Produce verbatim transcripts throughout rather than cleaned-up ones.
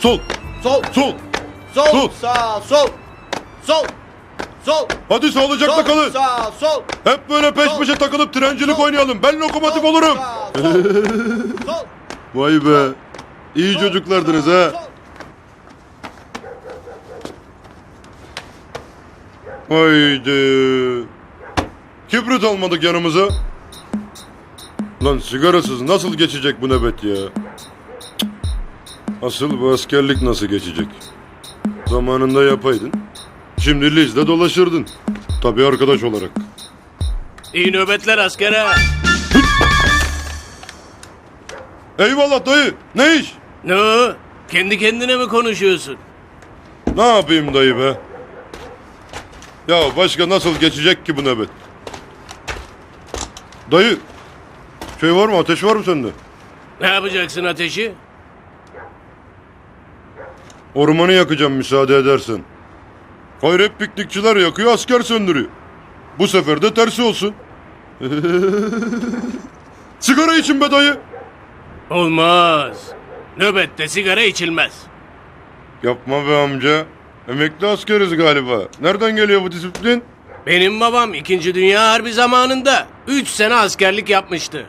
Sol. Sol. Sol. Sol. Sol. Sağ. Sol. Sol. Sol. Hadi sağlıcakla Sol. kalın. Sağ. Sol. Hep böyle peş Sol. peşe takılıp trencilik Sol. oynayalım. Ben lokomotif Sol. olurum. Sağ. Sol. Sol. Vay be. İyi Sol. çocuklardınız Sağ. ha. Sol. Haydi. Kibrit almadık yanımıza. Lan sigarasız nasıl geçecek bu nöbet ya? Cık. Asıl bu askerlik nasıl geçecek? Zamanında yapaydın. Şimdi Liz'de dolaşırdın. Tabii arkadaş olarak. İyi nöbetler askere. Eyvallah dayı. Ne iş? Ne o? Kendi kendine mi konuşuyorsun? Ne yapayım dayı be? Ya başka nasıl geçecek ki bu nöbet? Dayı. Şey var mı? Ateş var mı sende? Ne yapacaksın ateşi? Ormanı yakacağım müsaade edersen. Hayır hep piknikçiler yakıyor, asker söndürüyor. Bu sefer de tersi olsun. Sigara için be dayı. Olmaz. Nöbette sigara içilmez. Yapma be amca. Emekli askeriz galiba. Nereden geliyor bu disiplin? Benim babam İkinci Dünya Harbi zamanında üç sene askerlik yapmıştı.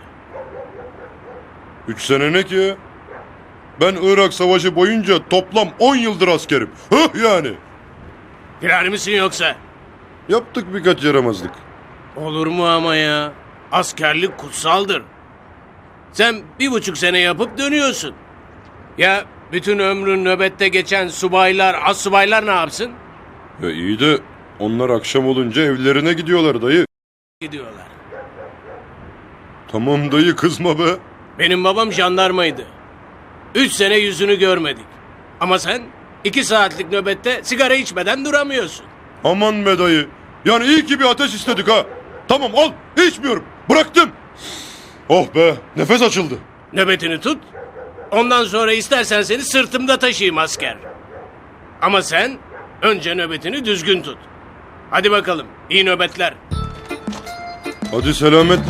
Üç sene ne ki ya? Ben Irak Savaşı boyunca toplam on yıldır askerim. Hıh yani. Firar mısın yoksa? Yaptık birkaç yaramazlık. Olur mu ama ya? Askerlik kutsaldır. Sen bir buçuk sene yapıp dönüyorsun. Ya bütün ömrün nöbette geçen subaylar, astsubaylar ne yapsın? Ya iyi de onlar akşam olunca evlerine gidiyorlar dayı. Gidiyorlar. Tamam dayı kızma be. Benim babam jandarmaydı. Üç sene yüzünü görmedik. Ama sen iki saatlik nöbette sigara içmeden duramıyorsun. Aman be dayı. Yani iyi ki bir ateş istedik ha. Tamam al içmiyorum. Bıraktım. Oh be nefes açıldı. Nöbetini tut. Ondan sonra istersen seni sırtımda taşıyayım asker. Ama sen önce nöbetini düzgün tut. Hadi bakalım iyi nöbetler. Hadi selametle.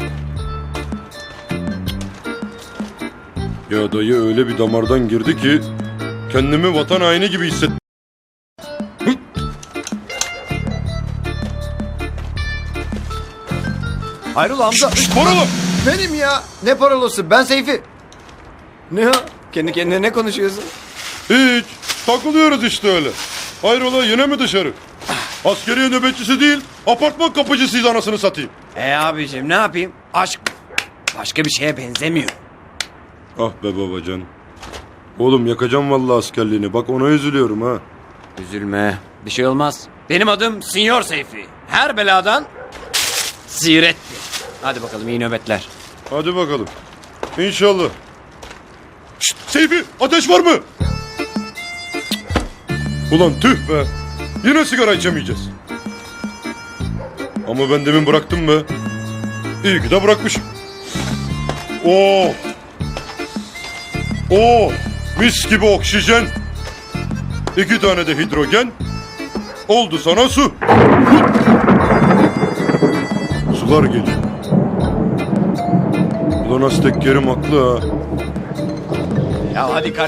Ya dayı öyle bir damardan girdi ki kendimi vatan haini gibi hissettim. Hayrola amca? Paralı. Benim ya. Ne parolosu? Ben Seyfi. Ne o? Kendi kendine ne konuşuyorsun? Hiç. Takılıyoruz işte öyle. Hayrola yine mi dışarı? Askeriye nöbetçisi değil, apartman kapıcısıyız anasını satayım. E abicim ne yapayım? Aşk başka bir şeye benzemiyor. Ah be babacan. Oğlum yakacağım vallahi askerliğini. Bak ona üzülüyorum ha. Üzülme. Bir şey olmaz. Benim adım Sinyor Seyfi. Her beladan ziyarettir. Hadi bakalım iyi nöbetler. Hadi bakalım. İnşallah. Şşt, Seyfi ateş var mı? Ulan tüh be. Yine sigara içemeyeceğiz. Ama ben demin bıraktım be. İyi ki de bırakmışım. Oh. Oh. Mis gibi oksijen. İki tane de hidrojen. Oldu sana su. Sular geliyor. Ulan Aztek Kerim haklı ha. Ya hadi